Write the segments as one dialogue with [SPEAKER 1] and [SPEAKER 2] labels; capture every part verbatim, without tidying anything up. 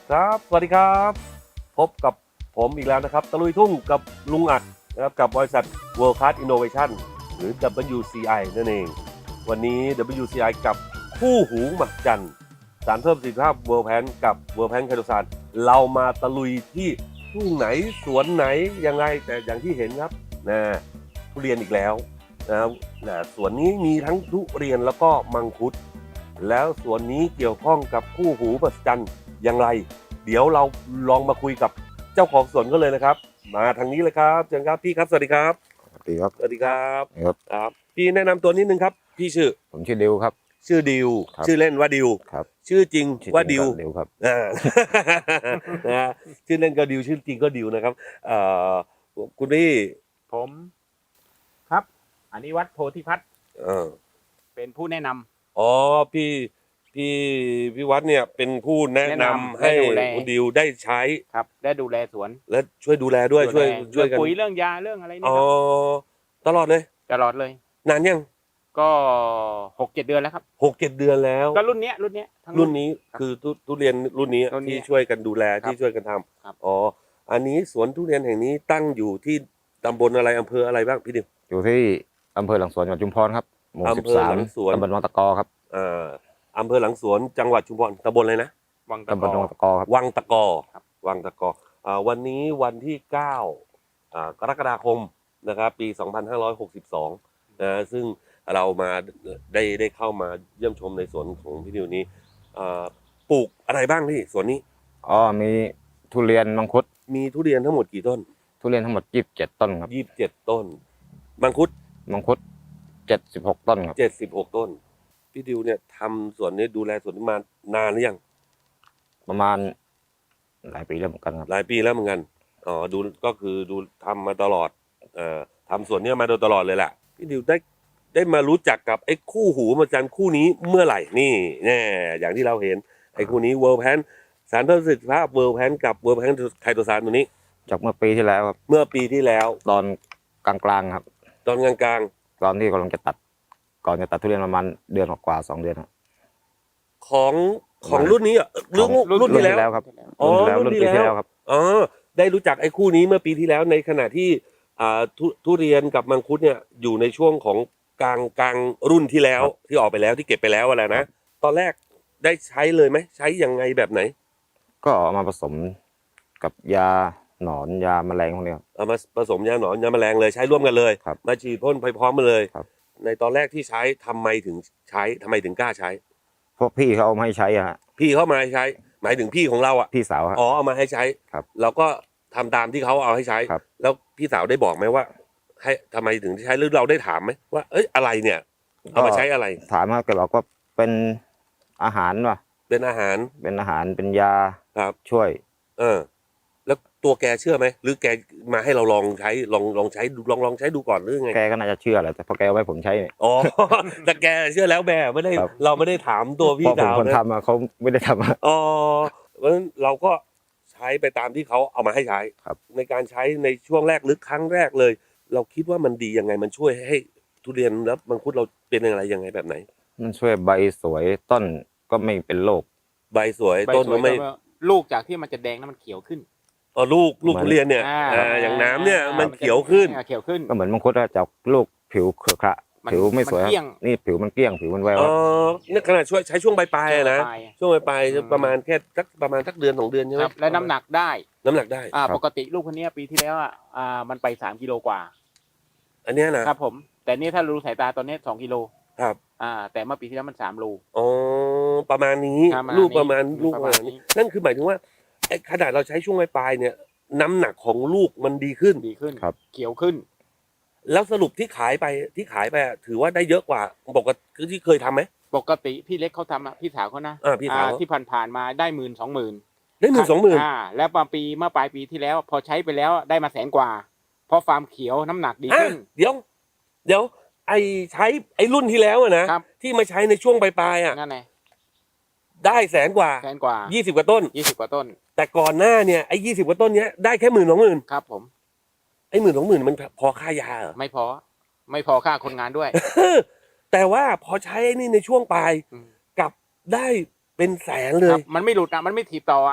[SPEAKER 1] ครับสวัสดีครับพบกับผมอีกแล้วนะครับตะลุยทุ่งกับลุงอัดนะครับกับบริษัท World Class Innovation หรือ ดับเบิลยู ซี ไอ นั่นเองวันนี้ ดับเบิลยู ซี ไอ กับคู่หูมหัศจรรย์สารเพิ่มประสิทธิภาพ World Pan กับ World Pan ไคโตซานเรามาตะลุยที่ทุ่งไหนสวนไหนยังไงแต่อย่างที่เห็นครับนะทุเรียนอีกแล้วนะครับนะสวนนี้มีทั้งทุเรียนแล้วก็มังคุดแล้วสวนนี้เกี่ยวข้องกับคู่หูมหัศจรรย์อย่างไรเดี๋ยวเราลองมาคุยกับเจ้าของสวนก็เลยนะครับมาทางนี้เลยครับเชิญครับพี่ครับสวัสดีครับ
[SPEAKER 2] สวัสดีครับ
[SPEAKER 1] สวัสดีครับ
[SPEAKER 2] ครับ
[SPEAKER 1] ครับพี่แนะนำตัวนิดนึงครับพี่ชื่อ
[SPEAKER 2] ผมชื่อดิวครับ
[SPEAKER 1] ชื่อดิว
[SPEAKER 2] ครับ
[SPEAKER 1] ชื่อเล่นว่าดิว
[SPEAKER 2] ครับ
[SPEAKER 1] ชื่อจริง
[SPEAKER 2] ชื่อ
[SPEAKER 1] ว่า
[SPEAKER 2] จริ
[SPEAKER 1] ดิ
[SPEAKER 2] ง
[SPEAKER 1] ว
[SPEAKER 2] ก็ดิวครับ
[SPEAKER 1] อ่า นะฮะชื่อเล่นก็ดิวชื่อจริงก็ดิวนะครับเอ่อคุณพี่
[SPEAKER 3] ผมครับอนิวัฒน์โพธิพัฒน์
[SPEAKER 1] เออ
[SPEAKER 3] เป็นผู้แนะนำ
[SPEAKER 1] อ๋อพี่พี่พี่วัดเนี่ยเป็นผู้แนะนำ
[SPEAKER 3] แนะนำ
[SPEAKER 1] ให้
[SPEAKER 3] และดูแล
[SPEAKER 1] คุณดิวได้ใช้
[SPEAKER 3] ครับได้ดูแลสวน
[SPEAKER 1] และช่วยดูแลด้วยช่วย
[SPEAKER 3] ดูแล
[SPEAKER 1] ช่วยกัน
[SPEAKER 3] เรื่องปุ๋ยเรื่องยาเรื่องอะไรนี่
[SPEAKER 1] อ๋อ
[SPEAKER 3] ครับ
[SPEAKER 1] ตลอดเลย
[SPEAKER 3] ตลอดเลย
[SPEAKER 1] นานยัง
[SPEAKER 3] ก็หกเจ็ดเดือนแล้วครับ
[SPEAKER 1] หกเจ็ดเดือนแล้ว
[SPEAKER 3] ก็รุ่นเนี้ยรุ่นเนี้ยทั้ง
[SPEAKER 1] รุ่นนี้คือทุทุเรียนรุ่นนี้
[SPEAKER 3] รุ่นนี้
[SPEAKER 1] ที่ช่วยกันดูแล
[SPEAKER 3] ครับ
[SPEAKER 1] ที่ช่วยกันท
[SPEAKER 3] ครับ
[SPEAKER 1] ำอ๋ออันนี้สวนทุเรียนแห่งนี้ตั้งอยู่ที่ตำบลอะไรอำเภออะไรบ้างพี่ดิว
[SPEAKER 2] อยู่ที่อำเภอหลังสวนจังหวัดชุมพรครับหมู่
[SPEAKER 1] อำ
[SPEAKER 2] สิบ
[SPEAKER 1] เภอ
[SPEAKER 2] สาม
[SPEAKER 1] หลังสวน
[SPEAKER 2] ตำบลวังตะกอครับ
[SPEAKER 1] อ่าอำเภอหลังสวนจังหวัดชุมพรตำบลอะไรนะ
[SPEAKER 3] วังตะ
[SPEAKER 2] ตำบ
[SPEAKER 3] ก
[SPEAKER 2] ล
[SPEAKER 3] อ
[SPEAKER 2] วังตะกอครับ
[SPEAKER 1] วังตะกอ
[SPEAKER 3] ครับ
[SPEAKER 1] วังตะกออ่าวันนี้วันที่เก้าอ่ากรกฎาคมนะครับปีสองพันห้าร้อยหกสิบสองนะซึ่งเรามาได้ได้เข้ามาเยี่ยมชมในสวนของพี่ดิวนี้อ่าปลูกอะไรบ้างพี่สวนนี้
[SPEAKER 2] อ๋อมีทุเรียนมังคุด
[SPEAKER 1] มีทุเรียนทั้งหมดกี่ต้น
[SPEAKER 2] ทุเรียนทั้งหมดยี่สิบเจ็ดต้นครับ
[SPEAKER 1] ยี่สิบเจ็ดต้นมังคุด
[SPEAKER 2] มังคุดเจ็ดสิบหกต้นครับ
[SPEAKER 1] เจ็ดสิบหกต้น พี่ดิวเนี่ยทำสวนนี้ดูแลสวนนี้มานานหรือยัง
[SPEAKER 2] ประมาณหลายปีแล้วเหมือนกันครับ
[SPEAKER 1] หลายปีแล้วเหมือนกันอ๋อดูก็คือดูทำมาตลอดเอ่อทำสวนเนี้มาโดยตลอดเลยแหละพี่ดิวได้ได้มารู้จักกับไอ้คู่หูมหัศจรรย์คู่นี้เมื่อไหร่นี่แน่อย่างที่เราเห็นไอ้คู่นี้ World Pan สารเพิ่มประสิทธิภาพ World Pan กับ World Pan ไคโตซานตัวนี้
[SPEAKER 2] จากเมื่อปีที่แล้วครับ
[SPEAKER 1] เมื่อปีที่แล้ว
[SPEAKER 2] ตอนกลางๆครับ
[SPEAKER 1] ตอนกลาง
[SPEAKER 2] ตอนที่กำลังจะตัด ก่อนจะตัดทุเรียนประมาณเดือนกว่าๆสองเดือนครับ
[SPEAKER 1] ๆของของรุ่นนี้อ่ะรุ่น
[SPEAKER 2] ของ
[SPEAKER 1] รุ่นที่แล้ว
[SPEAKER 2] ครับ
[SPEAKER 1] อ๋อ
[SPEAKER 2] รุ่นที่แล้วรุ่นปี
[SPEAKER 1] รุ่นที่
[SPEAKER 2] ที่
[SPEAKER 1] แล้ว
[SPEAKER 2] แล้วครับ
[SPEAKER 1] อ๋อได้รู้จักไอ้คู่นี้เมื่อปีที่แล้วในขณะที่อ่าทุทุเรียนกับมังคุดเนี่ยอยู่ในช่วงของกลางกลางรุ่นที่แล้ว
[SPEAKER 2] ครับ
[SPEAKER 1] ที่ออกไปแล้วที่เก็บไปแล้วอะไรนะตอนแรกได้ใช้เลยไหมใช้ยังไงแบบไหน
[SPEAKER 2] ก็เอามาผสมกับยาหนอนยาแมลงพวกนี้ครับ
[SPEAKER 1] เอามาผสมยาหนอนยาแมลงเลยใช้ร่วมกันเลย
[SPEAKER 2] ครับ
[SPEAKER 1] มาฉีดพ่นไปพร้อมกันเลย
[SPEAKER 2] ครับ
[SPEAKER 1] ในตอนแรกที่ใช้ทำไมถึงใช้ทำไมถึงกล้าใช้
[SPEAKER 2] พวกพี่เขาเอามาให้ใช้อะฮะ
[SPEAKER 1] พี่เขามาให้ใช้ หมายถึงพี่ของเราอ่ะ
[SPEAKER 2] พี่สาวฮะ
[SPEAKER 1] อ๋อเอามาให้ใช้
[SPEAKER 2] ครับ
[SPEAKER 1] เราก็ทำตามที่เขาเอาให้ใช้
[SPEAKER 2] ครับ
[SPEAKER 1] แล้วพี่สาวได้บอกไหมว่า ให้ทำไมถึงใช้หรือเราได้ถามไหมว่าเอ้ยอะไรเนี่ยเอามาใช้อะไร
[SPEAKER 2] ถามว่าแกบอกว่าเป็นอาหารว่ะ
[SPEAKER 1] เป็นอาหาร
[SPEAKER 2] เป็นอาหารเป็นยา
[SPEAKER 1] ครับ
[SPEAKER 2] ช่วย
[SPEAKER 1] เออ แล้วตัวแกเชื่อไหมหรือแกมาให้เราลองใช้ลองลองใช้ดูลองลองใช้ดูก่อนหรือไง
[SPEAKER 2] แกก็น่าจะเชื่อแหละแต่พอแกเอาไว้ผมใช้เนี่ย
[SPEAKER 1] อ๋อ แต่แกเชื่อแล้วแม่ไม่ได้
[SPEAKER 2] ครับ
[SPEAKER 1] เราไม่ได้ถามตัวพี่
[SPEAKER 2] เพราะผม
[SPEAKER 1] สาว
[SPEAKER 2] คน
[SPEAKER 1] นะ
[SPEAKER 2] ทำอะเขาไม่ได้ทำอะ
[SPEAKER 1] อ๋อเพราะฉะนั้นเราก็ใช้ไปตามที่เขาเอามาให้ใช้
[SPEAKER 2] ครับ
[SPEAKER 1] ในการใช้ในช่วงแรกหรือครั้งแรกเลย เราคิดว่ามันดียังไงมันช่วยให้ทุเรียนแล้วมังคุดเราเป็นอะไรยังไงแบบไหน
[SPEAKER 2] มันช่วยใบสวยต้นก็ไม่เป็นโรค
[SPEAKER 1] ใบสวย
[SPEAKER 3] ใบ
[SPEAKER 1] ต้น
[SPEAKER 3] สว
[SPEAKER 1] ก็
[SPEAKER 3] ย
[SPEAKER 1] ไม่
[SPEAKER 3] ก็ลูกจากที่มันจะแดงนั้นมันเขียวขึ้น
[SPEAKER 1] อ๋อลูกลูก
[SPEAKER 2] เหมือน
[SPEAKER 1] ทุเรียนเนี่ย
[SPEAKER 3] อ่า
[SPEAKER 1] อ่าอย่างน้ำเนี่ย
[SPEAKER 3] อ่า
[SPEAKER 1] มันเขียวขึ้น
[SPEAKER 3] อ่าเขียวขึ้น
[SPEAKER 2] ก็เหมือนมังคุดอะจากลูกผิวเครือขระ
[SPEAKER 3] มัน
[SPEAKER 2] ผิวไม่สวย
[SPEAKER 3] มัน
[SPEAKER 2] ครั
[SPEAKER 3] เกลี้ยง
[SPEAKER 2] บนี่ผิวมันเกลี้ยงผิวมันแวว
[SPEAKER 1] อ๋อเนี่ยขนาดช่วยใช้ช่วงปลายๆอะนะ
[SPEAKER 3] ปลาย
[SPEAKER 1] ช่วงปลาย
[SPEAKER 3] อืม
[SPEAKER 1] ๆประมาณแค่สักประมาณสักเดือนสองเดือนใช่ไห
[SPEAKER 3] ค
[SPEAKER 1] ม
[SPEAKER 3] รับและน้ำหนักได้
[SPEAKER 1] น้ำหนักได้
[SPEAKER 3] อ่าปกติลูกคนเนี้ยปีที่แล้วอ่ะอ่ามันไปสามกิโลกว่า
[SPEAKER 1] อันเนี้ยนะครับ
[SPEAKER 3] ผม แต่นี่ถ้ารู้สายตาตอนนี้สองกิโล
[SPEAKER 1] ครับ
[SPEAKER 3] อ่า แต่เมื่อปีที่แล้วมันสามโล
[SPEAKER 1] อ๋อประมาณนี้
[SPEAKER 3] ประมาณ
[SPEAKER 1] ลูกประมาณ
[SPEAKER 3] นี้
[SPEAKER 1] ลูกประมาณนี้นั่นคือหมายถึงว่าไอ้ขนาดเราใช้ช่วงปลายๆเนี่ย น้ำหนักของลูกมันดีขึ้น
[SPEAKER 3] ดีขึ้น
[SPEAKER 2] ครับ
[SPEAKER 3] เขียวขึ้น
[SPEAKER 1] แล้วสรุปที่ขายไปที่ขายไปอะถือว่าได้เยอะกว่าปกติคือที่เคยทำไหม
[SPEAKER 3] ปกติพี่เล็กเขาทำอ่ะพี่สาวเขานะ
[SPEAKER 1] อ่าพี่สาว
[SPEAKER 3] อ่ที่ผ่านๆมาได้หมื่นสองหมื่น
[SPEAKER 1] ได้หมื่นสองหมื่น
[SPEAKER 3] อ่าแล้วมาปีเมื่อปลายปีที่แล้ว พอใช้ไปแล้วได้มาแสนกว่า เพราะฟาร์มเขียวน้ำหนักดี
[SPEAKER 1] อ่ะ
[SPEAKER 3] ขึ้น
[SPEAKER 1] เดี๋ยว เดี๋ยว ไอ้ใช้ไอ้รุ่นที่แล้วอะนะครับ ที่มาใช้ในช่วงปลายๆอ่ะ
[SPEAKER 3] นั่นไง
[SPEAKER 1] ได้แสนกว่า
[SPEAKER 3] แสนกว่า
[SPEAKER 1] ยี่สิบกว่าต้น
[SPEAKER 3] ยี่สิบกว่าต้น
[SPEAKER 1] แต่ก่อนหน้าเนี่ยไอ้ยี่สิบกว่าต้นเนี้ยได้แค่หมื่นสองหมื่น
[SPEAKER 3] ครับผม
[SPEAKER 1] ไอ้หมื่นสองหมื่นมันพอค่ายาเหรอ
[SPEAKER 3] ไม่พอ ไม่พอค่าคนงานด้วย
[SPEAKER 1] แต่ว่าพอใช้ไอ้นี่ในช่วงปลาย
[SPEAKER 3] อืม
[SPEAKER 1] กลับได้เป็นแสนเล
[SPEAKER 3] ครั
[SPEAKER 1] ย
[SPEAKER 3] บมันไม่หลุดอ่ะมันไม่ถีบต่ออ่ะ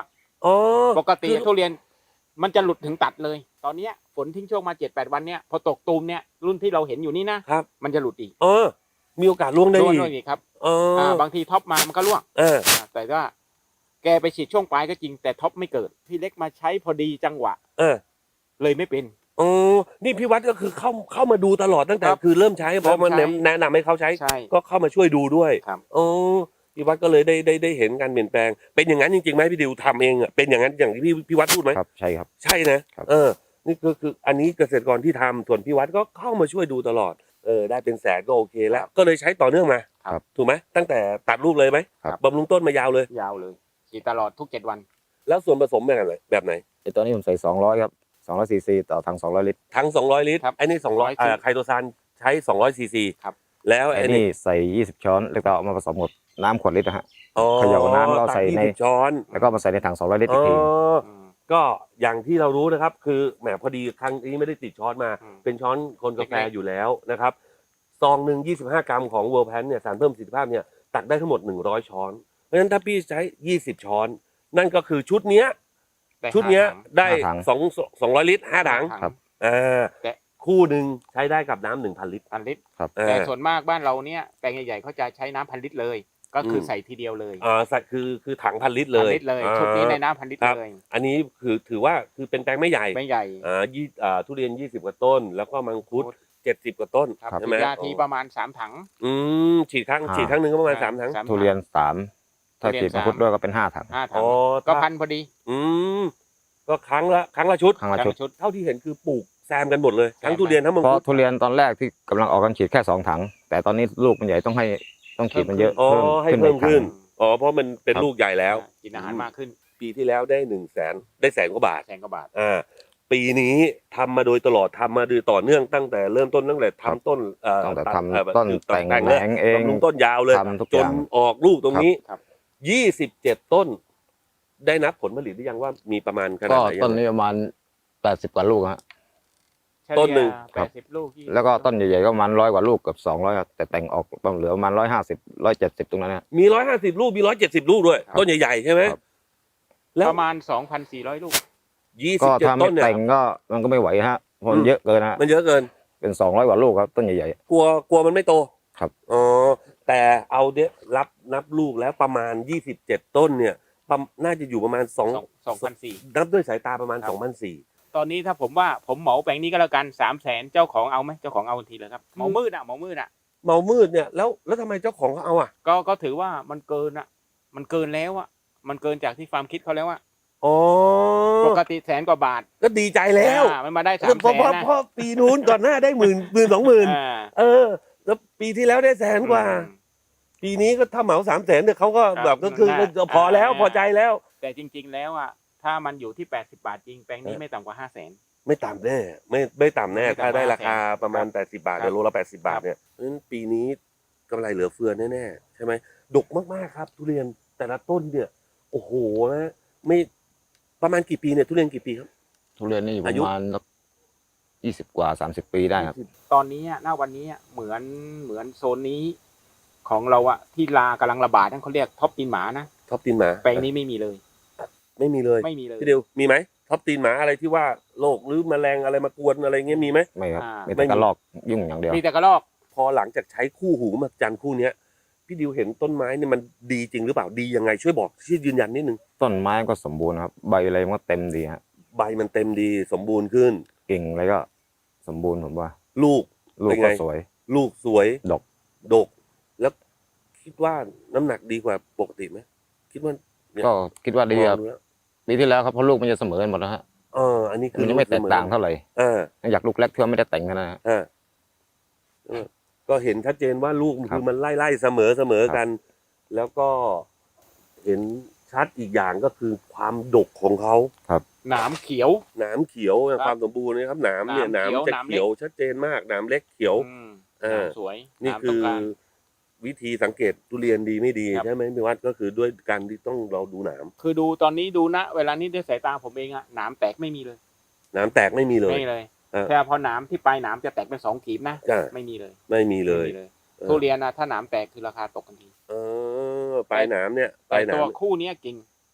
[SPEAKER 1] อ๋อ
[SPEAKER 3] ปกติ
[SPEAKER 1] คือ
[SPEAKER 3] ทุเรียนมันจะหลุดถึงตัดเลย ตอนเนี้ยฝนทิ้งช่วงมาเจ็ดแปดวันเนี้ยพอตกตูมเนี่ยรุ่นที่เราเห็นอยู่นี่นะครับ มันจะหลุดอีก
[SPEAKER 1] เออมีโอกาสล่วงได้
[SPEAKER 3] ร่วง
[SPEAKER 1] อีก
[SPEAKER 3] ด้วยอีกครับ
[SPEAKER 1] เออ
[SPEAKER 3] อ่าบางทีท็อปมามันก็ร่วง
[SPEAKER 1] เออ
[SPEAKER 3] อ่าแต่ว่าแกไปฉีดช่วงปลายก็จริงแต่ท็อปไม่เกิดพี่เล็กมาใช้พอดีจังหวะ
[SPEAKER 1] เออ
[SPEAKER 3] เลยไม่เป็น
[SPEAKER 1] อ๋อนี่พี่วัดก็คือเข้าเข้ามาดูตลอดตั้งแต่
[SPEAKER 3] ครับ
[SPEAKER 1] คือเริ่มใช้พอมัน
[SPEAKER 3] เริ่มใช้
[SPEAKER 1] แนะนำให้เขาใช้
[SPEAKER 3] ใช่
[SPEAKER 1] ก็เข้ามาช่วยดูด้วย
[SPEAKER 3] ครับ
[SPEAKER 1] อ๋อพี่วัดก็เลยได้ได้ได้เห็นการเปลี่ยนแปลง เป็นอย่างนั้นจริงๆไหมพี่ดิวทำเองอ่ะเป็นอย่างนั้นอย่างที่พี่พี่วัดพูดไหม
[SPEAKER 2] ครับใช่ครับ
[SPEAKER 1] ใช่นะครับ เออ นี่ก็คืออันนี้เกษตรกรที่ทำส่วนพี่วัดก็เข้ามาช่วยดูตลอดเออได้เป็นแสนก็โอเคแล้ว ก็เลยใช้ต่อเนื่องมา
[SPEAKER 2] ครับ
[SPEAKER 1] ถูกไหมตั้งแต่ตัดลูกเลยไหม
[SPEAKER 2] ครับ
[SPEAKER 1] บำรุงต้นมายาวเลย
[SPEAKER 3] ยาวเลยฉีดตลอดทุกเจ็ดวัน
[SPEAKER 1] แล้วส่วนผสมแบบไหนแบบไหน
[SPEAKER 2] ไอตัวนี้ผมใส่สองร้อยครับสองร้อยซีซีต่อถังสองร้อยลิตร
[SPEAKER 1] ทั้งสองร้อยลิตร
[SPEAKER 3] ครับ
[SPEAKER 1] ไอ้นี่สองร้อย
[SPEAKER 3] สองร้อย
[SPEAKER 1] อ่าไคโตซานใช้สองร้อยซีซี
[SPEAKER 3] ครับ
[SPEAKER 1] แล้ว
[SPEAKER 2] ไอ้
[SPEAKER 1] ไอ้
[SPEAKER 2] นี่
[SPEAKER 1] นี่
[SPEAKER 2] ใส่ยี่สิบช้อนแล้วก็เอามาผสมกับน้ำขวดลิตรนะฮะ
[SPEAKER 1] อ๋อ
[SPEAKER 2] เขย่าน้ำแล้วใส่ใน
[SPEAKER 1] ตักยี่สิบช้อน
[SPEAKER 2] แล้วก็มาใส่ในถังสองร้อยลิตรอีกที
[SPEAKER 1] อ๋อ
[SPEAKER 3] ม
[SPEAKER 1] ก็อย่างที่เรารู้นะครับ คือแหมพอดีครั้งนี้ไม่ได้ติดช้อนมา
[SPEAKER 3] อืม
[SPEAKER 1] เป็นช้อนคนกาแฟ
[SPEAKER 3] เล็กๆ
[SPEAKER 1] อยู่แล้วนะครับซองหนึ่งยี่สิบห้ากรัมของเวิร์ลแพนเนี่ยสารเพิ่มประสิทธิภาพเนี่ยตักได้ทั้งหมดหนึ่งร้อยช้อน เพราะฉะนั้นถ้าพี่ใช้ยี่สิบช้อน นั่นก็คือชุดเนี้ย
[SPEAKER 3] แต่
[SPEAKER 1] ชุดเนี้ย
[SPEAKER 3] ห้าถัง
[SPEAKER 1] ได้
[SPEAKER 2] ห้าถัง
[SPEAKER 1] สองสองร้อยลิตรห้าถัง
[SPEAKER 3] ห้า
[SPEAKER 2] ครับ
[SPEAKER 1] อ่า
[SPEAKER 3] แต่
[SPEAKER 1] คู่หนึ่งใช้ได้กับน้ำหนึ่งพันลิตร
[SPEAKER 3] พันลิตร
[SPEAKER 2] ครับ
[SPEAKER 1] อ่า
[SPEAKER 3] แต่ส่วนมากบ้านเราเนี่ยแปลงใหญ่ๆเขาจะใช้น้ำพันลิตรเลย ก็คืออ
[SPEAKER 1] ม
[SPEAKER 3] ใส่ทีเดียวเลย
[SPEAKER 1] อ่าใส่คือคือถังพันลิตรเล
[SPEAKER 3] พัน
[SPEAKER 1] ย
[SPEAKER 3] ลิตรเลย
[SPEAKER 1] อ่า
[SPEAKER 3] ชุดนี้ในน้ำพันลิตร
[SPEAKER 1] ครับ
[SPEAKER 3] เลย
[SPEAKER 1] อันนี้คือถือว่าคือเป็นแปลงไม่ใหญ่
[SPEAKER 3] ไม่ใหญ่
[SPEAKER 1] อ่ายี่อ่าทุเรียนยี่สิบกว่าต้น แล้วก็มังคุดเจ็ดสิบกว่าต้น
[SPEAKER 3] ครับ
[SPEAKER 1] ใช่ไหม
[SPEAKER 3] ฉีดยาทีประมาณสามถัง
[SPEAKER 1] อืมฉีดครั้ง
[SPEAKER 2] อ่า
[SPEAKER 1] ฉีดครั้งหนึ่งก็ประมาณสามถัง
[SPEAKER 3] สามถัง
[SPEAKER 2] ทุเรียนสามถ้า
[SPEAKER 3] ทุเรียน
[SPEAKER 2] ฉีดมังคุด
[SPEAKER 3] สาม
[SPEAKER 2] ด้วยก็เป็นห้าถัง
[SPEAKER 3] ห้าถั
[SPEAKER 1] อ๋
[SPEAKER 3] ง
[SPEAKER 1] อ
[SPEAKER 3] ก็
[SPEAKER 1] ถ้า
[SPEAKER 3] พันพอดี
[SPEAKER 1] อืมก็ครั้งละครั้งละชุด
[SPEAKER 2] ครั้งละชุด
[SPEAKER 3] ชุด
[SPEAKER 1] เท่าที่เห็นคือปลูกแซมกันหมดเลย ทั้ง
[SPEAKER 3] แซม
[SPEAKER 1] ทุเรียนทั้งมัง
[SPEAKER 2] เพราะ
[SPEAKER 1] คุด
[SPEAKER 2] ทุเรียนตอนแรกที่กำลังออกกันฉีดแค่สองถัง แต่ตอนนี้ลูกมันใหญ่ต้องให้ต้องฉีดมันเยอะ
[SPEAKER 1] อ๋อให้เพิ่ม
[SPEAKER 2] อีกถัง
[SPEAKER 1] ขึ้นอ๋อเพราะมันเป็น
[SPEAKER 2] ครับ
[SPEAKER 1] ลูกใหญ่แล้ว
[SPEAKER 3] กินอาหารมากขึ้น
[SPEAKER 1] ปีที่แล้วได้หนึ่งแสนได้แสนกว่าบาท
[SPEAKER 3] แสนกว่าบาท
[SPEAKER 1] อ่าปีนี้ทำมาโดยตลอดทำมาโดยต่อเนื่องตั้งแต่เริ่มต้นตั้งแต่ทำต้นเอ่อ
[SPEAKER 2] ตั้งแต่
[SPEAKER 1] ด
[SPEAKER 2] ทำ
[SPEAKER 1] เอ่อ
[SPEAKER 2] ต้น
[SPEAKER 1] คือ
[SPEAKER 2] แต่ง
[SPEAKER 1] แต่ง
[SPEAKER 2] แห
[SPEAKER 1] เลย
[SPEAKER 2] นงเอง
[SPEAKER 1] บำรุงต้นยาวเลย
[SPEAKER 2] ทำทุก
[SPEAKER 1] จ
[SPEAKER 2] อน ย่าง
[SPEAKER 1] ออกลูกตรงนี้
[SPEAKER 3] ครับ
[SPEAKER 1] ยี่สิบเจ็ดต้น ได้นับผลผลิตหรือยังว่ามีประมาณขนาด
[SPEAKER 2] ก็
[SPEAKER 1] ไหน
[SPEAKER 2] ต้นนี้ประมาณแปดสิบกว่าลูกฮะ
[SPEAKER 1] ต้นหนึ่ง
[SPEAKER 3] แปดสิบลูกยี่สิบ
[SPEAKER 2] แล้วก็ต้นใหญ่ๆก็ประมาณร้อยกว่าลูกเกับสองร้อยแต่แต่งออกต้องเหลือประมาณร้อยห้าสิบร้อยเจ็ดสิบตรงนั้นนะ
[SPEAKER 1] มีร้อยห้าสิบลูกมีร้อยเจ็ดสิบลูกด้วย
[SPEAKER 2] ครับ
[SPEAKER 1] ต้นใหญ่ๆใช่ไหม
[SPEAKER 2] ครับ
[SPEAKER 1] แล้ว
[SPEAKER 3] ประมาณสองพันสี่ร้อยลูก
[SPEAKER 1] ยี่สิ
[SPEAKER 2] ก็
[SPEAKER 1] บเจ็ด
[SPEAKER 2] ถ้า
[SPEAKER 1] ต้
[SPEAKER 2] ไม่
[SPEAKER 1] นเนี่ย
[SPEAKER 2] แต่งก็มันก็ไม่ไหวฮะเพราะมันเยอะเกินฮะ
[SPEAKER 1] มันเยอะเกิน
[SPEAKER 2] เป็นสองร้อยกว่าลูกครับต้นใหญ่
[SPEAKER 1] กลัวกลัวมันไม่โต
[SPEAKER 2] ครับ
[SPEAKER 1] อ๋อแต่เอาเนี้ยรับนับลูกแล้วประมาณยี่สิบเจ็ดต้นเนี่ยประมาณน่าจะอยู่ประมาณสอง
[SPEAKER 3] สองพันสี่
[SPEAKER 1] นับด้วยสายตาประมาณ
[SPEAKER 3] ครับ
[SPEAKER 1] สองพันสี่
[SPEAKER 3] ตอนนี้ถ้าผมว่าผมเหมาแปลงนี้ก็แล้วกันสามแสนเจ้าของเอาไหมเจ้าของเอาทันทีเลยครับเหมามืดอ่ะเหมามืดอ่ะ
[SPEAKER 1] เมามืดเนี่ยแล้วแล้วทำไมเจ้าของเขาเอาอ่ะ
[SPEAKER 3] ก็ก็ถือว่ามันเกินอ่ะ มันเกินแล้วอ่ะมันเกินจากที่ฟาร์มคิดเขาแล้วอ่ะ
[SPEAKER 1] อ๋อ
[SPEAKER 3] ปกติแสนกว่าบาท
[SPEAKER 1] ก็ดีใจแล้ว
[SPEAKER 3] อ่ามันมาได้สาม
[SPEAKER 1] เพราะ
[SPEAKER 3] แส
[SPEAKER 1] เพ
[SPEAKER 3] น
[SPEAKER 1] ราะ
[SPEAKER 3] นะ
[SPEAKER 1] เพราะปีนู้นก่อนหน้าได้หมื่นหมื่นสองหมื่น
[SPEAKER 3] อ่า
[SPEAKER 1] เออ แล้วปีที่แล้วได้แสนกว่า
[SPEAKER 3] อืม
[SPEAKER 1] ปีนี้ก็ถ้าเหมาสามแสนเนี่ยเขาก็
[SPEAKER 3] ครับ
[SPEAKER 1] แบบก็คือ
[SPEAKER 3] น่า
[SPEAKER 1] ก็พอแล้ว
[SPEAKER 3] อ่า
[SPEAKER 1] พอใจแล้ว
[SPEAKER 3] แต่จริง ๆ แล้วอ่ะถ้ามันอยู่ที่แปดสิบบาทจริงแปลงนี้
[SPEAKER 1] เออ
[SPEAKER 3] ไม่ต่ำกว่าห้าแสน
[SPEAKER 1] ไม่ต่ำแน่ไม่ไม่ต่ำแน่
[SPEAKER 3] ไม่ต่ำ
[SPEAKER 1] ถ้าได้ราคา
[SPEAKER 3] ห้าแสน
[SPEAKER 1] ประมาณแปดสิบาท
[SPEAKER 3] ครับ
[SPEAKER 1] เนี่ยโลละแปดสิบาท
[SPEAKER 3] ครับ
[SPEAKER 1] เนี่ยเพราะฉะนั้นปีนี้กำไรเหลือเฟือแน่ๆใช่ไหมดกมากๆครับ ทุเรียนแต่ละต้นเนี่ย โอ้โหนะไม่ประมาณกี่ปีเนี่ยทุเรียนกี่ปีครับ
[SPEAKER 2] ๆทุเรียนนี่อยู่ป
[SPEAKER 1] อายุ
[SPEAKER 2] ระมาณยี่สิบกว่าสามสิบปีได้ครับ
[SPEAKER 3] ตอนนี้อะณวันนี้อะเหมือนเหมือนโซนนี้ของเราอะที่ลากำลังระบาดนั่นเขาเรียกท็อปตีนหมานะ
[SPEAKER 1] ท็อปตีนหมา
[SPEAKER 3] แปลงนี้ไม่มีเลย
[SPEAKER 1] ไม่มีเลย
[SPEAKER 3] ไม่มีเลย
[SPEAKER 1] พี่เดียวมีไหมท็อปตีนหมาอะไรที่ว่าโรคหรือแมลงอะไรมากวนอะไรเงี้ยมีไหม
[SPEAKER 2] ไม่ครับ
[SPEAKER 3] อ่า
[SPEAKER 2] มี
[SPEAKER 1] ไม่
[SPEAKER 2] แต่
[SPEAKER 1] มี
[SPEAKER 2] กระลอกยุ่งอย่างเดียว
[SPEAKER 3] มีแต่กระรอก
[SPEAKER 1] พอหลังจากใช้คู่หูมาจันคู่เนี้ยพี่ดิวเห็นต้นไม้เนี่ยมันดีจริงหรือเปล่าดียังไงช่วยบอกช่วยยืนยันนิดนึง
[SPEAKER 2] ต้นไม้ก็สมบูรณ์ครับใบอะไรมันก็เต็มดีฮะ
[SPEAKER 1] ใบมันเต็มดีสมบูรณ์ขึ้น
[SPEAKER 2] กิ่งอะไรก็สมบูรณ์ผมว่า
[SPEAKER 1] ลูก
[SPEAKER 2] ลูก
[SPEAKER 1] เป็น
[SPEAKER 2] ก็
[SPEAKER 1] ไง
[SPEAKER 2] สวย
[SPEAKER 1] ลูกสวย
[SPEAKER 2] ดก
[SPEAKER 1] ดก แล้วคิดว่าน้ำหนักดีกว่าปกติไหมคิดว่าเนี่ย
[SPEAKER 2] ก็คิดว่าดีครับ
[SPEAKER 1] มองแล้ว
[SPEAKER 2] ปีที่แล้วครับเพราะลูกมันจะเสมอกันหมดนะฮะ
[SPEAKER 1] เอออันนี้คื
[SPEAKER 2] มั
[SPEAKER 1] อน
[SPEAKER 2] ยังไม่แตกต่างเท่าไหร่
[SPEAKER 1] เออ
[SPEAKER 2] อยากลูกเล็กเท่าไม่ได้แต่งกันนะฮะ
[SPEAKER 1] เออเออก็เห็นชัดเจนว่าลูก
[SPEAKER 2] ครั
[SPEAKER 1] คื
[SPEAKER 2] บ
[SPEAKER 1] อมันไล่ไล่เสมอเสมอ
[SPEAKER 2] ครับ
[SPEAKER 1] กัน แล้วก็เห็นชัดอีกอย่างก็คือความดกของเขา
[SPEAKER 3] หนามเขียว
[SPEAKER 1] หนามเขียว
[SPEAKER 3] ครับ
[SPEAKER 1] ความสมบูรณ์นะครับหนามเนี่ยห
[SPEAKER 3] ห
[SPEAKER 1] นาน
[SPEAKER 3] าม ม
[SPEAKER 1] จะ
[SPEAKER 3] เขียว
[SPEAKER 1] เขียวชัดเจนมากหนามเล็กเขียว
[SPEAKER 3] อืม
[SPEAKER 1] เออ
[SPEAKER 3] หนามสวย
[SPEAKER 1] นี่
[SPEAKER 3] หาม
[SPEAKER 1] คื
[SPEAKER 3] ต้ง
[SPEAKER 1] อ
[SPEAKER 3] การ
[SPEAKER 1] วิธีสังเกตทุเรียนดีไม่ดี
[SPEAKER 3] ครับ
[SPEAKER 1] ใช่ไหมพี่วัดก็คือด้วยการที่ต้องเราดูหนาม
[SPEAKER 3] คือดูตอนนี้ดูนะเวลานี้ด้วยสายตาผมเองอะหนามแตกไม่มีเลย
[SPEAKER 1] หนามแตกไม่มีเลย
[SPEAKER 3] ไม่เลย
[SPEAKER 1] เออ
[SPEAKER 3] แต่พอหนามที่ปลายหนามจะแตกเป็นสองขีดนะ
[SPEAKER 1] จ้ะ
[SPEAKER 3] ไม่มีเลย
[SPEAKER 1] ไม่มีเลย
[SPEAKER 3] ไม่มี
[SPEAKER 1] เออ
[SPEAKER 3] ทุเรียนนะถ้าหนามแตกคือราคาตกทันที
[SPEAKER 1] เออปลายหนามเนี่ยป
[SPEAKER 3] แต่
[SPEAKER 1] ลายหนา
[SPEAKER 3] ตัว
[SPEAKER 1] ม
[SPEAKER 3] คู่เนี้ยกิ่ง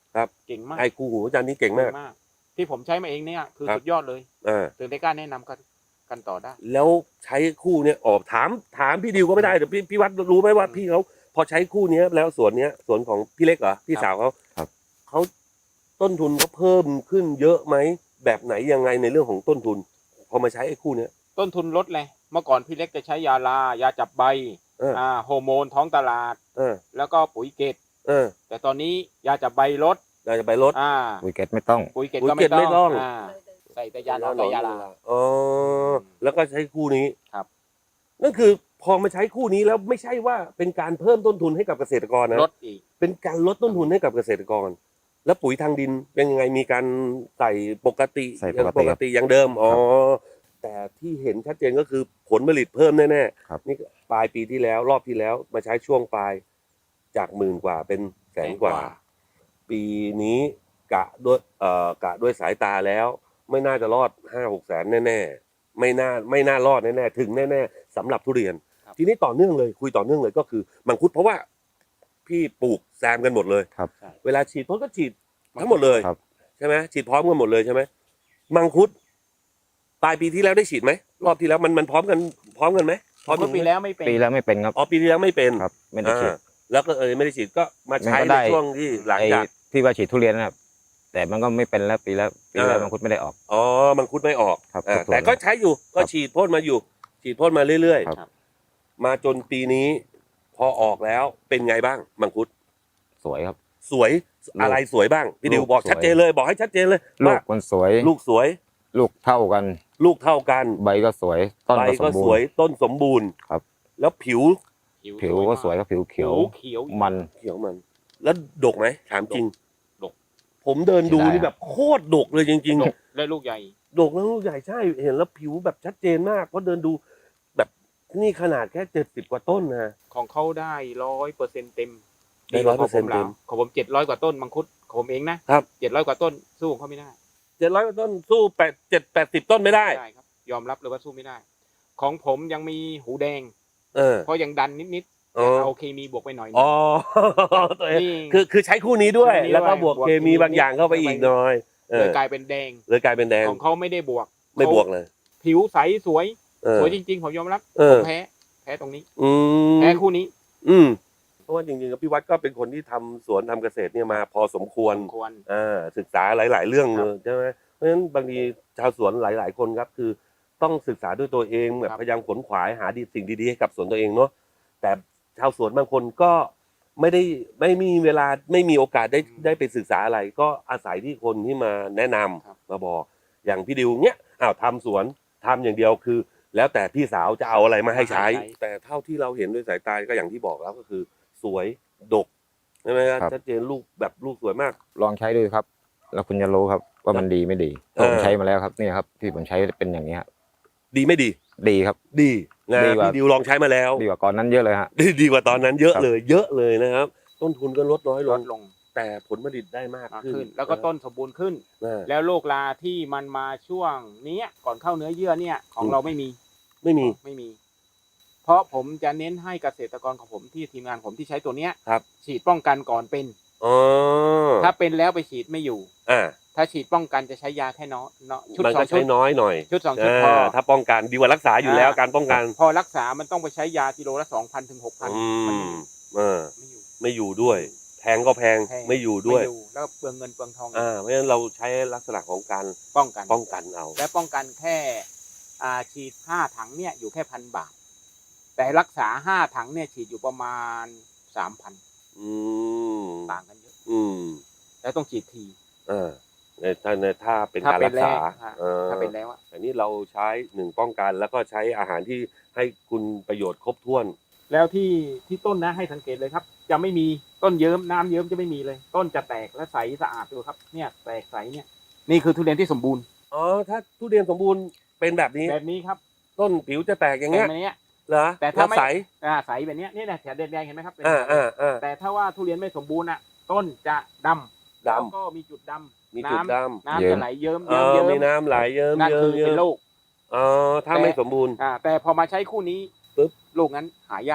[SPEAKER 1] ครับ
[SPEAKER 3] เก่งมาก
[SPEAKER 1] ไอ้คู่หูอาจารย์นี่เก่งมาก
[SPEAKER 3] ที่ผมใช้มาเองเนี่ยคือ
[SPEAKER 1] ครับ
[SPEAKER 3] สุดยอดเลย
[SPEAKER 1] อ่า
[SPEAKER 3] ถึงได้กล้าแนะนำกันกันต่อได้
[SPEAKER 1] แล้วใช้คู่เนี้ยออกถามถามพี่ดิวก็ไม่ได้เดี๋ยวพี่พี่วัดรู้ไหมว่า
[SPEAKER 3] อืม
[SPEAKER 1] พี่เขาพอใช้คู่เนี้ยแล้วสวนเนี้ยสวนของพี่เล็กเหรอพี่
[SPEAKER 3] ครับ
[SPEAKER 1] สาวเขา
[SPEAKER 2] ครับ
[SPEAKER 1] เขาต้นทุนเขาเพิ่มขึ้นเยอะไหมแบบไหนยังไงในเรื่องของต้นทุน พอมาใช้ไอ้คู่เนี้ย
[SPEAKER 3] ต้นทุนลดเลยเมื่อก่อนพี่เล็กจะใช้ยาลายาจับใบ
[SPEAKER 1] เออ
[SPEAKER 3] อ่าฮอร์โมนท้องตลาด
[SPEAKER 1] เออ
[SPEAKER 3] แล้วก็ปุ๋ยเกต
[SPEAKER 1] เออ
[SPEAKER 3] แต่ตอนนี้ยาจับใบลด
[SPEAKER 1] เราจะไปลด
[SPEAKER 3] อ่า
[SPEAKER 2] ปุ๋ยเกตไม่ต้อง
[SPEAKER 3] ปุ๋ยเกต
[SPEAKER 1] ปุ๋ย
[SPEAKER 3] ก็
[SPEAKER 1] เกร
[SPEAKER 3] ไม่
[SPEAKER 1] ดไม่ต้
[SPEAKER 3] ต้
[SPEAKER 1] อ
[SPEAKER 3] อง งอ่าใส่แต่ยาหนอนกับยาลา
[SPEAKER 1] อ๋อแล้วก็ใช้คู่นี้
[SPEAKER 3] ครับ
[SPEAKER 1] นั่นคือพอมาใช้คู่นี้แล้วไม่ใช่ว่าเป็นการเพิ่มต้นทุนให้กับเกษตรกรนะ
[SPEAKER 3] ลดอีก
[SPEAKER 1] เป็นการลดต้นทุนให้กับเกษตรกร แล้วปุ๋ยทางดินเป็นยังไงมีการใส่ปกติ
[SPEAKER 2] ใส่
[SPEAKER 1] อย่าง
[SPEAKER 2] ป
[SPEAKER 1] ป
[SPEAKER 2] ก
[SPEAKER 1] ก
[SPEAKER 2] ติ
[SPEAKER 1] ติอย่างเดิมอ๋อแต่ที่เห็นชัดเจนก็คือผลผลิตเพิ่มแน่
[SPEAKER 2] ครับ
[SPEAKER 1] ๆนี่ปลายปีที่แล้วรอบที่แล้วมาใช้ช่วงปลายจากหมื่นกว่าเป็นแสนกว่า ปีนี้กะด้วยเอ่อกะด้วยสายตาแล้ว ไม่น่าจะรอดห้าหกแสนแน่ๆไม่น่าไม่น่ารอดแน่ๆถึงแน่ๆสำหรับทุเรียน
[SPEAKER 3] ครับ
[SPEAKER 1] ทีนี้ต่อเนื่องเลยคุยต่อเนื่องเลยก็คือมังคุดเพราะว่าพี่ปลูกแซมกันหมดเลย
[SPEAKER 2] ครับ
[SPEAKER 1] เวลาฉีดพ่นก็ฉีดทั้งหมดเลย
[SPEAKER 2] ครับ
[SPEAKER 1] ใช่ไหมฉีดพร้อมกันหมดเลยใช่ไหมมังคุดปลายปีที่แล้วได้ฉีดไหมรอบที่แล้วมันมันพร้อมกันพร้อมกันไหมพร้อม
[SPEAKER 3] เมื่อปีแล้วไม่เป็น
[SPEAKER 2] ปีแล้วไม่เป็นครับ
[SPEAKER 1] อ๋อปีที่แล้วไม่เป็น
[SPEAKER 2] ครับ ไม่ได้ฉีด
[SPEAKER 1] อ่าแล้วก็เออไม่ได้ฉีดก็มาใช้
[SPEAKER 2] มันก็
[SPEAKER 1] ใน
[SPEAKER 2] ได้
[SPEAKER 1] ช่วงที่หลัง
[SPEAKER 2] ไอ้
[SPEAKER 1] จาก
[SPEAKER 2] ที่ว่าฉีดทุเรียนนะครับ แต่มันก็ไม่เป็นแล้วปีแล้วปีแล้ว
[SPEAKER 1] อ่ามั
[SPEAKER 2] มังคุดไม่ได้ออก
[SPEAKER 1] อ๋อมังคุดไม่ออก
[SPEAKER 2] ครับ
[SPEAKER 1] อ่า
[SPEAKER 2] ทุกส่วน
[SPEAKER 1] แต่ก็ใช้อยู่ก็
[SPEAKER 2] ครับ
[SPEAKER 1] ฉีดพ่นมาอยู่ ฉีดพ่นมาเรื่อย
[SPEAKER 2] ครับ
[SPEAKER 1] ๆมาจนปีนี้ พอออกแล้วเป็นไงบ้างมังคุด
[SPEAKER 2] สวยครับ
[SPEAKER 1] สวย
[SPEAKER 2] ลูก
[SPEAKER 1] อะไรสวยบ้างพี่ดิว
[SPEAKER 2] ลูก
[SPEAKER 1] บอก
[SPEAKER 2] สวย
[SPEAKER 1] ชัดเจนเลย บอกให้ชัดเจนเลย
[SPEAKER 2] ลู
[SPEAKER 1] ว่าก
[SPEAKER 2] มันสวย
[SPEAKER 1] ลูกสวย
[SPEAKER 2] ลูกเท่ากัน
[SPEAKER 1] ลูกเท่ากัน
[SPEAKER 2] ใบก็สวย ต้น
[SPEAKER 1] ใบ
[SPEAKER 2] ก็ส
[SPEAKER 1] ก็
[SPEAKER 2] มบู
[SPEAKER 1] สวย
[SPEAKER 2] รณ์
[SPEAKER 1] ต้นสมบูรณ์
[SPEAKER 2] ครับ
[SPEAKER 1] แล้วผิว
[SPEAKER 2] ผิวก็สวยครับผิวเขียว
[SPEAKER 3] เขียว
[SPEAKER 2] มัน
[SPEAKER 1] เขียวมัน แล้วดกไหมถามจริง
[SPEAKER 3] ดก
[SPEAKER 1] ผมเดินดู
[SPEAKER 2] เสียดาย
[SPEAKER 1] นี่แบบโคตรดกเลยจริง
[SPEAKER 3] ดกและลูกใหญ่
[SPEAKER 1] ๆ ดกแล้วลูกใหญ่ใช่เห็นแล้วผิวแบบชัดเจนมากเพราะเดินดูแบบนี่ขนาดแค่เจ็ดสิบกว่าต้นนะ
[SPEAKER 3] ของเขาได้ร้อยเปอร์เซ็นต์เต็ม
[SPEAKER 1] ได้ร้อยเปอร์เซ็นต์
[SPEAKER 3] ดีกว่าของผมแล้วของผมเจ็ดร้อยกว่าต้นมังคุดของผมเองนะครับ เจ็ดร้อยกว่าต้นสู้ของเขาไม่ได้
[SPEAKER 1] เจ็ดร้อยต้นสู้แปดเจ็ดแปดสิบต้นไม่ได้
[SPEAKER 3] ไม่ได้ครับ ยอมรับเลยว่าสู้ไม่ได้ ของผมยังมีหูแดง
[SPEAKER 1] เออ
[SPEAKER 3] เพราะยังดันนิดๆ
[SPEAKER 1] อ๋
[SPEAKER 3] แต่
[SPEAKER 1] อ
[SPEAKER 3] เอาเคมีบวกไปหน่อยนึง
[SPEAKER 1] อ๋อตัวเอง
[SPEAKER 3] นี่
[SPEAKER 1] คือคือใช้คู่นี้ด้วย
[SPEAKER 3] คู่นี้ด้วย
[SPEAKER 1] แล้วก็บวก
[SPEAKER 3] บวก
[SPEAKER 1] เคมี
[SPEAKER 3] เคมี
[SPEAKER 1] บางอย่างเข้าไปอีกหน่อยเอ
[SPEAKER 3] เล
[SPEAKER 1] อย
[SPEAKER 3] กลายเป็นแดง
[SPEAKER 1] เลยกลายเป็นแดง
[SPEAKER 3] ของเขาไม่ได้บวก
[SPEAKER 1] ไม่บวกเลย
[SPEAKER 3] ผิวใสสวย
[SPEAKER 1] เออ
[SPEAKER 3] สวยจริงๆผมยอมรับ
[SPEAKER 1] เอ
[SPEAKER 3] ผ
[SPEAKER 1] อ
[SPEAKER 3] มแพ้แพ้ตรงนี้
[SPEAKER 1] อืม
[SPEAKER 3] แพ้คู่นี้
[SPEAKER 1] อืมเพราะว่าจริงๆกับพี่วัดก็เป็นคนที่ทำสวนทำเกษตรเนี่ยมาพอสมควร
[SPEAKER 3] สมควร
[SPEAKER 1] อ่าศึกษาหลาย ๆ เรื่อง
[SPEAKER 3] ครั
[SPEAKER 1] เล
[SPEAKER 3] บ
[SPEAKER 1] ยใช่ไหมเพราะฉะนั้นบางทีชาวสวนหลาย ๆ คนครับคือต้องศึกษาด้วยตัวเองแบบ
[SPEAKER 3] ครับ
[SPEAKER 1] พยายามขนขวายหาดีสิ่งดี ๆ ให้กับสวนตัวเองเนาะแต่ชาวสวนบางคนก็ไม่ได้ไม่มีเวลาไม่มีโอกาสได้ได้ไปศึกษาอะไร ก็อาศัยที่คนที่มาแนะนำมาบอกอย่างพี่ดิวเนี้ยอ้าวทำสวนทำอย่างเดียวคือ แล้วแต่พี่สาวจะเอาอะไรมาให้ใช้ แต่เท่าที่เราเห็นด้วยสายตาก็อย่างที่บอกแล้วก็คือ สวยดกใช่ไหมครับ
[SPEAKER 2] ครับ
[SPEAKER 1] ชัดเจนลูกแบบลูกสวยมาก
[SPEAKER 2] ลองใช้ดูครับ แล้วคุณจะรู้ครับว่ามันดีไม่ดี
[SPEAKER 1] เออ
[SPEAKER 2] ผมใช้มาแล้วครับนี่ครับที่ผมใช้เป็นอย่างนี้ย
[SPEAKER 1] ดีไม่ดี
[SPEAKER 2] ดีครับ
[SPEAKER 1] ดีนะ
[SPEAKER 2] ดีกว่า
[SPEAKER 1] พี่ดิวลองใช้มาแล้ว
[SPEAKER 2] ดีกว่าก่อนนั้นเยอะเลยฮะ
[SPEAKER 1] ดีดีกว่าตอนนั้นเยอะ
[SPEAKER 2] ครับ
[SPEAKER 1] เลย เยอะเลยนะครับ ต้นทุนก็ลดน้อยล
[SPEAKER 3] ล
[SPEAKER 1] ง
[SPEAKER 3] ดลง
[SPEAKER 1] แต่ผลผลิตได้มาก
[SPEAKER 3] มาก
[SPEAKER 1] ขึ้น
[SPEAKER 3] ขึ้น แล้วก็ต้นสมบูรณ์ขึ้น
[SPEAKER 1] อ่า
[SPEAKER 3] แล้วโรคราที่มันมาช่วงเนี้ยก่อนเข้าเนื้อเยื่อเนี่ยของ
[SPEAKER 1] อืม
[SPEAKER 3] เราไม่มี
[SPEAKER 1] ไม่มี
[SPEAKER 3] ไม่มี เพราะผมจะเน้นให้เกษตรกรของผมที่ทีมงานผมที่ใช้ตัวเนี้ย
[SPEAKER 1] ครับ
[SPEAKER 3] ฉีดป้องกันก่อนเป็น
[SPEAKER 1] อ๋อ
[SPEAKER 3] ถ้าเป็นแล้วไปฉีดไม่อยู่
[SPEAKER 1] อ่า
[SPEAKER 3] ถ้าฉีดป้องกันจะใช้ยาแค่น้อยเนาะชุด
[SPEAKER 1] มัน
[SPEAKER 3] สอ
[SPEAKER 1] ก็
[SPEAKER 3] งชุ
[SPEAKER 1] ใช้
[SPEAKER 3] ด
[SPEAKER 1] น้อยหน่อย
[SPEAKER 3] ชุดสองชุดพอ
[SPEAKER 1] อ่าถ้าป้องกันดีกว่ารักษาอยู่แล้ว
[SPEAKER 3] อ่า
[SPEAKER 1] การป้องกัน
[SPEAKER 3] พอรักษามันต้องไปใช้ยากิโลละสองพันถึงหกพัน
[SPEAKER 1] อื
[SPEAKER 3] มัน
[SPEAKER 1] มเออ
[SPEAKER 3] ไม่อยู่
[SPEAKER 1] ไม่อยู่ด้วย แพงก็แพง
[SPEAKER 3] แพง
[SPEAKER 1] ไม่อยู่ด้วย
[SPEAKER 3] ไม่อยู่แล้วเปลืองเงินเปลืองทอง
[SPEAKER 1] อ่าเพราะฉะนั้นเราใช้ลักษณะของการ
[SPEAKER 3] ป้องกัน
[SPEAKER 1] ป้องกันเอา
[SPEAKER 3] และป้องกันแค่อ่าฉีดห้าถังเนี่ยอยู่แค่พันบาท แต่รักษาห้าถังเนี่ยฉีดอยู่ประมาณสามพัน
[SPEAKER 1] อืม
[SPEAKER 3] ต่างกันเยอะ
[SPEAKER 1] อืม
[SPEAKER 3] แล้วต้องฉีดที
[SPEAKER 1] เออในถ้าในถ้าเป็น
[SPEAKER 3] ถ้า
[SPEAKER 1] การ
[SPEAKER 3] เป็
[SPEAKER 1] รั
[SPEAKER 3] น
[SPEAKER 1] ก
[SPEAKER 3] แล้
[SPEAKER 1] ษาว
[SPEAKER 3] อ่า
[SPEAKER 1] เออ
[SPEAKER 3] ถ้าเป็นแล้วอะ
[SPEAKER 1] อันนี้เราใช้หนึ่งป้องกันแล้วก็ใช้อาหารที่ให้คุณประโยชน์ครบถ้วน
[SPEAKER 3] แล้วที่ที่ต้นนะให้สังเกตเลยครับ จะไม่มีต้นเยิ้มน้ำเยิ้มจะไม่มีเลย ต้นจะแตกและใสสะอาดดูครับเนี่ยแตกใสเนี่ยนี่คือทุเรียนที่สมบูรณ์
[SPEAKER 1] อ๋อถ้าทุเรียนสมบูรณ์เป็นแบบนี้
[SPEAKER 3] แบบนี้ครับ
[SPEAKER 1] ต้นผิวจะแตกอย่าง
[SPEAKER 3] แบ
[SPEAKER 1] เงี้ย
[SPEAKER 3] บนี้
[SPEAKER 1] เหรอ
[SPEAKER 3] แต่ถ้าไม่
[SPEAKER 1] แล้วใส
[SPEAKER 3] อ่าใสแบบเนี้ยนี่แหละแถบแดงๆเห็นไหมครับเป็น
[SPEAKER 1] อ่าอ่าอ่า
[SPEAKER 3] แต่ถ้าว่าทุเรียนไม่สมบูรณ์อ่ะ ต้นจะดำ
[SPEAKER 1] ดำ
[SPEAKER 3] แล้วก็มีจุดดำ
[SPEAKER 1] มีจุดด
[SPEAKER 3] น้ำน้ำจะไหลเยิ้ม
[SPEAKER 1] ำเอ
[SPEAKER 3] เยิ้ม
[SPEAKER 1] อ
[SPEAKER 3] เยิ้ม
[SPEAKER 1] มีน้ำไหลเยิ้ม
[SPEAKER 3] นั่น
[SPEAKER 1] เยิ้
[SPEAKER 3] คื
[SPEAKER 1] ม
[SPEAKER 3] อ
[SPEAKER 1] เยิ้
[SPEAKER 3] เป็น
[SPEAKER 1] ม
[SPEAKER 3] โรค
[SPEAKER 1] อ๋อถ้าไม่สมบูรณ์
[SPEAKER 3] อ่าแต่พอมาใช้คู่นี้
[SPEAKER 1] ปึ๊บ
[SPEAKER 3] ลูกนั้นหายากเลย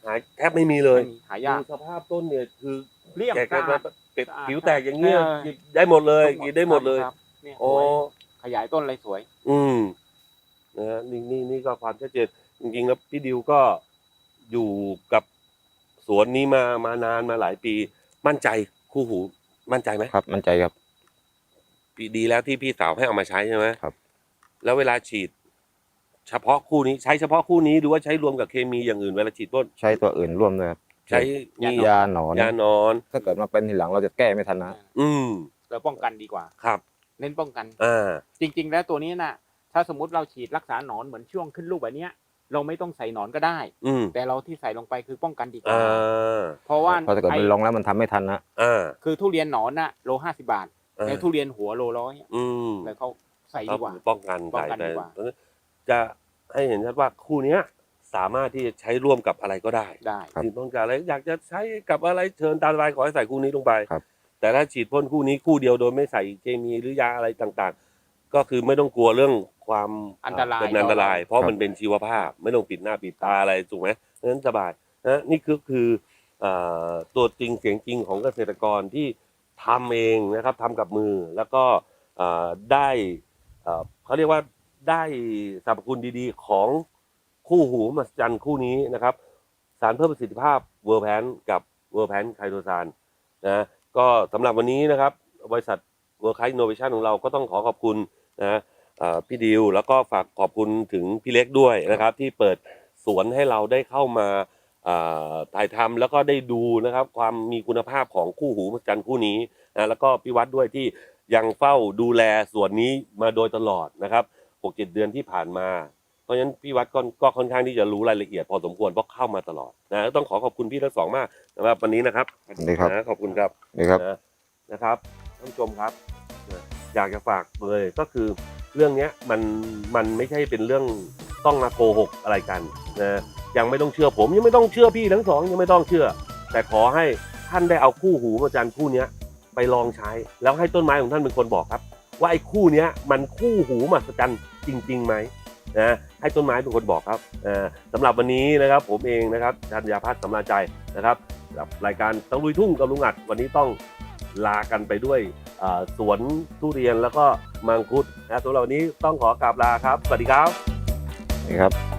[SPEAKER 1] หายแทบไม่มีเลย
[SPEAKER 3] ไม่มีหายาก
[SPEAKER 1] ดูสภาพต้นเนี่ยคือ
[SPEAKER 3] เรียบ
[SPEAKER 1] แกะ
[SPEAKER 3] สะอาด
[SPEAKER 1] เก็บ
[SPEAKER 3] สะอาด
[SPEAKER 1] ผิวแตกอย่างเงี้ย
[SPEAKER 3] เออ
[SPEAKER 1] หยิบได้หมดเลยหยิบได้หมดเลย
[SPEAKER 3] ครับเนี่ย
[SPEAKER 1] โอ้
[SPEAKER 3] สวยขยายต้นอะไรสวย
[SPEAKER 1] อืมนะฮะนี่นี่นี่ก็ความชัดเจนจริงๆแล้วพี่ดิวก็อยู่กับสวนนี้มามานานมาหลายปี มั่นใจคู่หูมั่นใจไหม
[SPEAKER 2] ครับมั่นใจครับ
[SPEAKER 1] ปีดีแล้วที่พี่สาวให้เอามาใช้ใช่ไหม
[SPEAKER 2] ครับ
[SPEAKER 1] แล้วเวลาฉีด เฉพาะคู่นี้ใช้เฉพาะคู่นี้หรือว่าใช้รวมกับเคมีอย่างอื่นเวลาฉีดพ่น
[SPEAKER 2] ใช้ตัวอื่นร่วมด้วยครับ
[SPEAKER 1] ใช้มี
[SPEAKER 2] ยาหนอน
[SPEAKER 1] ยาหนอน
[SPEAKER 2] ถ้าเกิดมาเป็นทีหลังเราจะแก้ไม่ทันนะ
[SPEAKER 1] อืม
[SPEAKER 3] เราป้องกันดีกว่า
[SPEAKER 1] ครับ
[SPEAKER 3] เน้นป้องกัน
[SPEAKER 1] อ่า
[SPEAKER 3] จริง ๆ แล้วตัวนี้น่ะ ถ้าสมมติเราฉีดรักษาหนอนเหมือนช่วงขึ้นลูกแบบเนี้ย เราไม่ต้องใส่หนอนก็ได้
[SPEAKER 1] อืม
[SPEAKER 3] แต่เราที่ใส่ลงไปคือป้องกันดีกว่า
[SPEAKER 1] อ่า
[SPEAKER 3] เพราะว่า
[SPEAKER 2] เพราะถ้าเกิดมันลงแล้วมันทำไม่ทันนะ
[SPEAKER 1] อ่า
[SPEAKER 3] คือทุเรียนหนอนน่ะโลห้าสิบาท
[SPEAKER 1] อ่า
[SPEAKER 3] แต่ทุเรียนหัวโลร้อย
[SPEAKER 1] อืม
[SPEAKER 3] แล้วเขาใส่
[SPEAKER 1] ก็
[SPEAKER 3] ดีกว่า
[SPEAKER 1] คือป้องกัน
[SPEAKER 3] ป้อง
[SPEAKER 1] ใส่
[SPEAKER 3] กัน
[SPEAKER 1] ไป
[SPEAKER 3] ดีกว่า
[SPEAKER 1] จะให้เห็นชัดว่าคู่เนี้ย สามารถที่จะใช้ร่วมกับอะไรก็ได้
[SPEAKER 3] ได้
[SPEAKER 2] ครับ
[SPEAKER 1] ที่ต้องการอะไรอยากจะใช้กับอะไรเชิญตามสบายขอให้ใส่คู่นี้ลงไป
[SPEAKER 2] ครับ
[SPEAKER 1] แต่ถ้าฉีดพ่นคู่นี้คู่เดียวโดยไม่ใส่เคมีหรือยาอะไรต่างๆ ก็คือไม่ต้องกลัวเรื่องความ
[SPEAKER 3] อันตราย
[SPEAKER 1] เป็นอันตราย
[SPEAKER 3] ต่อเรา
[SPEAKER 1] เพราะมันเป็นชีวภาพ ไม่ต้องปิดหน้าปิดตาอะไรถูกไหมเพราะฉะนั้นสบายนะนี่คือคือเอ่อตัวจริงเสียงจริงของเกษตรกรที่ทำเองนะครับทำกับมือแล้วก็เอ่อได้เอ่อเขาเรียกว่าได้สรรพคุณดีๆของคู่หูมหัศจรรย์คู่นี้นะครับ สารเพิ่มประสิทธิภาพเวอร์แพนกับเวอร์แพนไคโตซานนะก็สำหรับวันนี้นะครับบริษัทเวอร์คไคอินโนเวชันของเราก็ต้องขอขอบคุณนะเอ่อพี่ดิวแล้วก็ฝากขอบคุณถึงพี่เล็กด้วยนะครับ ที่เปิดสวนให้เราได้เข้ามาเอ่อถ่ายทำแล้วก็ได้ดูนะครับ ความมีคุณภาพของคู่หูมหัศจรรย์คู่นี้นะแล้วก็พี่วัดด้วยที่ยังเฝ้าดูแลสวนนี้มาโดยตลอดนะครับหกเจ็ดเดือนที่ผ่านมา เพราะฉะนั้นพี่วัดก็ก็ค่อนข้างที่จะรู้รายละเอียดพอสมควรเพราะเข้ามาตลอดนะต้องขอขอบคุณพี่ทั้งสองมากสำหรับวันนี้นะครับ
[SPEAKER 2] ดีครับ
[SPEAKER 1] นะขอบคุณครับ
[SPEAKER 2] นี่ครับ
[SPEAKER 1] นะนะครับท่านผู้ชมครับนะอยากจะฝากเลยก็คือเรื่องเนี้ยมันมันไม่ใช่เป็นเรื่องต้องมาโกหกอะไรกันนะยังไม่ต้องเชื่อผมยังไม่ต้องเชื่อพี่ทั้งสองยังไม่ต้องเชื่อ แต่ขอให้ท่านได้เอาคู่หูมหัศจรรย์คู่เนี้ยไปลองใช้ แล้วให้ต้นไม้ของท่านเป็นคนบอกครับ ว่าไอ้คู่เนี้ยมันคู่หูมหัศจรรย์จริงๆไหมนะให้ต้นไม้เป็นคนบอกครับอ่าสำหรับวันนี้นะครับผมเองนะครับธัญญาพัฒน์สำราญใจนะครับกับรายการตะลุยทุ่งกับลุงอัดวันนี้ต้องลากันไปด้วยอ่าสวนทุเรียนแล้วก็มังคุดนะสำหรับวันนี้ต้องขอกราบลาครับสวัสดีครับ
[SPEAKER 2] นี่ครับ